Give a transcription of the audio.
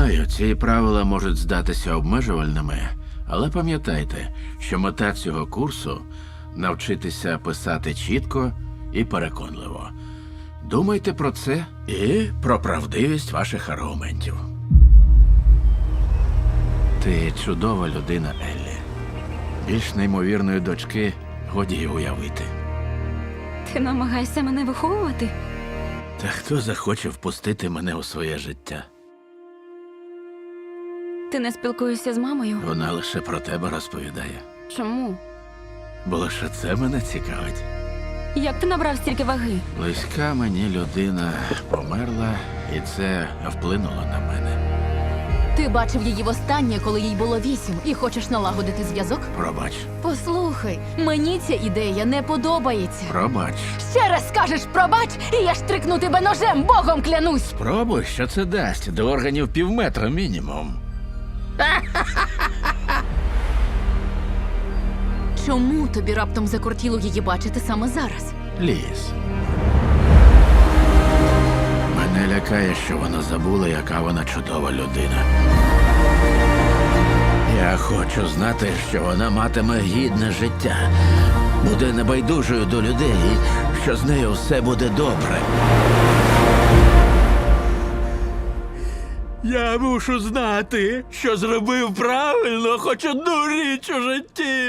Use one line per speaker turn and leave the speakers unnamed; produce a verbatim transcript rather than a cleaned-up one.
Знаю, ці правила можуть здатися обмежувальними, але пам'ятайте, що мета цього курсу – навчитися писати чітко і переконливо. Думайте про це і про правдивість ваших аргументів. Ти чудова людина, Еллі. Більш неймовірної дочки годі й уявити.
Ти намагаєшся мене виховувати?
Та хто захоче впустити мене у своє життя?
Ти не спілкуєшся з мамою?
Вона лише про тебе розповідає.
Чому?
Бо лише це мене цікавить.
Як ти набрав стільки ваги?
Близька мені людина померла, і це вплинуло на мене.
Ти бачив її востаннє, коли їй було вісім, і хочеш налагодити зв'язок?
Пробач.
Послухай, мені ця ідея не подобається.
Пробач.
Ще раз скажеш пробач, і я штрикну тебе ножем, богом клянусь!
Спробуй, що це дасть. До органів півметра мінімум.
Чому тобі раптом закортіло її бачити саме зараз?
Ліз. Мене лякає, що вона забула, яка вона чудова людина. Я хочу знати, що вона матиме гідне життя, буде небайдужою до людей, і що з нею все буде добре. Я мушу знати, що зробив правильно хоч одну річ у житті.